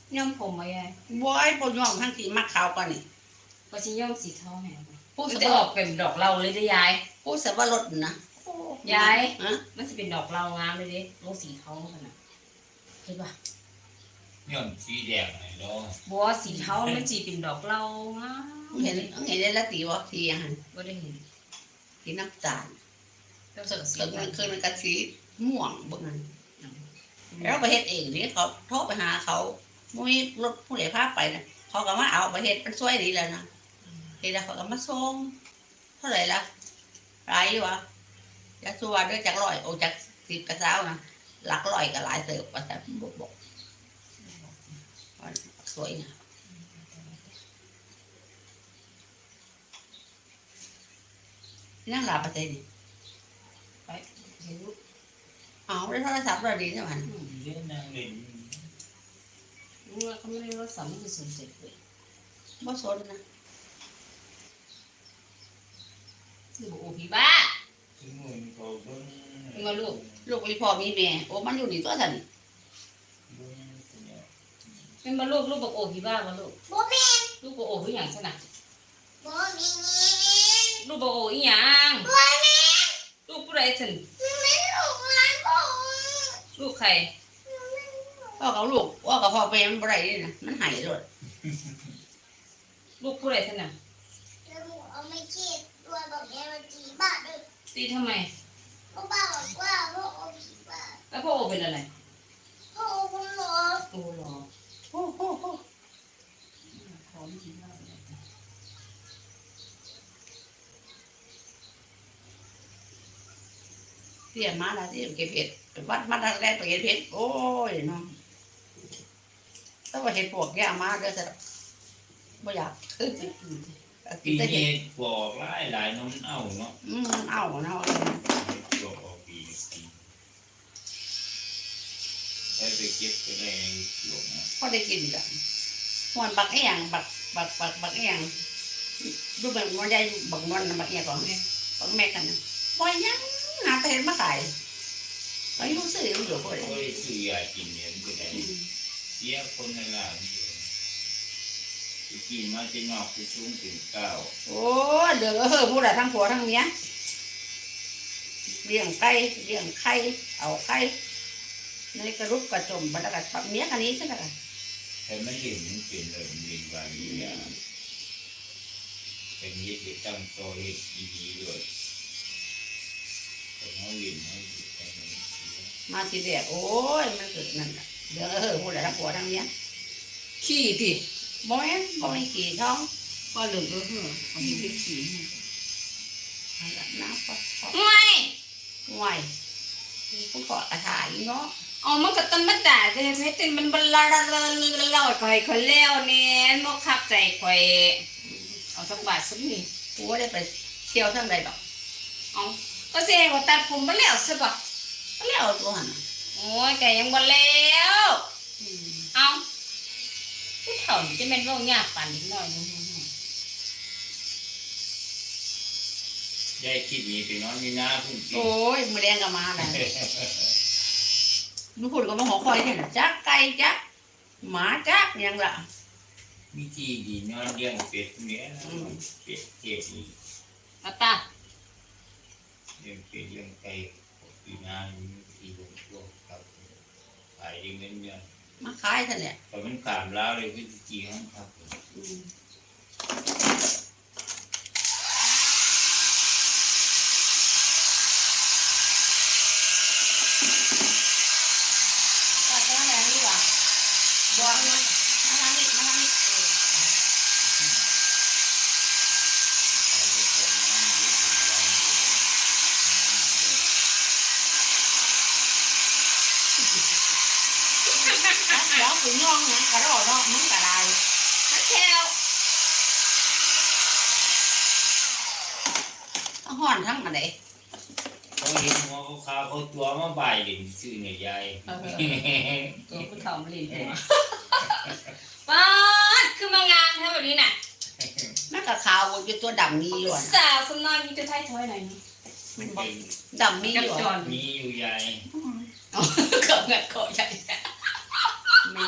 ย่อมผมมาไงบ่อยบ่ยอมทั้งที่มักขาวกว่านี่ก็จะย่อมสีทองแหงผู้มันสจะบออกเป็นดอกเราเลยได้ยายผู้สบรสนะยายฮะมันจะเป็นดอกเรางามเลยดิลงสีทองขนาดเห็นปะย้อนสีแดงไอ้ดอกบัวสีเทามันจีเป็นดอกเรางามเห็นได้ละตีบ่ทีอาหารก็ได้เห็นสีน้ำตาลแล้วก็สีเกิดมันเคยมันกันสีม่วงบ่นั้นแล้วก็เฮ็ดเองนี่เขาโทรไปหาเขาบ่มีรถผู้ใดพาไปนะเขาก็มาเอาไปเฮ็ดมันสวยดีแล้วนะเฮ็ดแล้วเขาก็มาส่งเท่าไหร่ล่ะหลายอยู่วะจักสัวด้วยจัก100โอ้จัก10กระเช้านะหลักร้อยก็หลายเติบว่าแต่บอกสวยนะนั่งหลับประเทศนี่ไปเห็นเอาได้โทรศัพท์เราดีใช่ไหมเล่นนางเล่นเขาไม่ได้รถสามที่สนใจเลยบ่สนนะคือบอกโอ้พี่บ้าซึ่งมันเขาเบิ่งมาลูกลูกมีพ่อมีแม่โอ้มันอยู่นี่ตัวสันเบิ่งสัญญาเป็นมาลูกบอกโอ้พี่บ้ามาลูกบ่แม่นลูกบอกโอ้พี่หยังขนาดบ่มีลูกบอกโอ้อีหยังบ่แม่นลูกผู้ใดถึงไม่ลูกหลานบ่ลูกใครพ่อกับลูกพ่อกับพ่อไปมันบ่ได้นี่นะมันหายเลยลูกผู้ใดถึงน่ะแล้วหนูเอาไม่คิดตัวบอกแม่ว่าจีบ้าเด้อตีทำไมพ่อบ้าบอกว่าพ่อเอาผีบ้าแล้วพ่อโอเป็นอะไรพ่อเอาคนหลอโอ้หรอโอ้โหพร้อมจริงมากเลยเสียมาแล้วที่เก็บเห็ดวัดมาทางแรกไปเก็บเห็ดโอ้ยน้องถ้าว่าเห็ดปวกแย่มาเด้อจะบ่อยากกินปีแต่เห็นี้ดบอกหลายน้องเอาเนาะเอาเนาะบอกออกปีแล้วไปเก็บก็ได้หลงนะพอได้กินกันหวนบักแองบักแองดูแบบมันได้บักนวลบักแองของบักแม่กันนะบ่ยังหาแต่เห็ดมาขายไปรู้สึกอยู่บ่โอ้ได้ยซื้อยากินเนี่ยมันก็ได้เสียคนในร้านกินมาจะงอกจะสูงถึงเก้าโอ้เดือผู้ใดทั้งผัวทั้งเมียเลี้ยงไก่เลี้ยงไข่เอาไข่ในกระรุกกระจมบรรดากับเมียกันนี้ใช่ไหมล่ะแต่ไม่เห็นมันเป็นเลยมันเป็นบางอย่างเป็นยี่สิบตั้งโตเห็ดดีๆด้วยแต่เขาเรียนเขาอยู่แต่ไม่เสียมาทีเดียวโอ้ยมันเกิดนั่นแหละเดือผู้ใดทั้งผัวทั้งเมียขี้ดิบ่แม่นบ่มีกี่ท้องก็เหลืองเอาไปขี้น้ำปลาไม่ห่วยผู้ขอกระถายเนาะอ๋อมันก็ต้นมาด่าจะเห็นไหมติมันบลาเล่าข่อยคนแล้วเนี่ยมกคักใจข่อยเอาสักบาทสักนี่กูไม่ได้ไปเที่ยวทั้งใดดอกเอาก็เสียว่าตัดผมมาแล้วใช่ปะก็แล้วตัวหันโอ้ยแกยังบ่แล้วเอาผู้เฒ่านี่จะเป็นโรคยากปานนิดหน่อยนึงยายคิดมีไปนอนมีน้าพุ่งโอ้ยมือแดงก็มาแล้วลูกพูดก็มาหอคอยเนี่ยจักไก่จักหมาจักยังล่ะมีที่ดีนอนเลี้ยงเป็ดเนี้ยเป็ดเจ็บอีกเอาตาเลี้ยงเป็ดเลี้ยงไก่ปีนาที่ลงตัวครับขายเงินเงินมาขายท่านเนี่ยแต่มันขามแล้วเลยคือจีของครับก็จะอะไรนี่วะบอกมาทางนี้มาทางนี้ đó cũng ngon nha cả đó đó muốn cả đài ฮักแคว nó hoàn thắng mà đấy เขาเห็นหัวเขาขาวเขาตัวมาบ่ายเด่นซื่อเนี่ยยายตัวผู้เฒ่ามาเล่นหัวป๊าดคือมางานแท้แบบนี้น่ะ nó cả khảo vô tôi đầm mi luôn สาวสำนอยมีจะไทยถอยหน่อยนึง đầm mi กับ luôn จอนมีอยู่ยายเกือบเงินเกาะใหญ่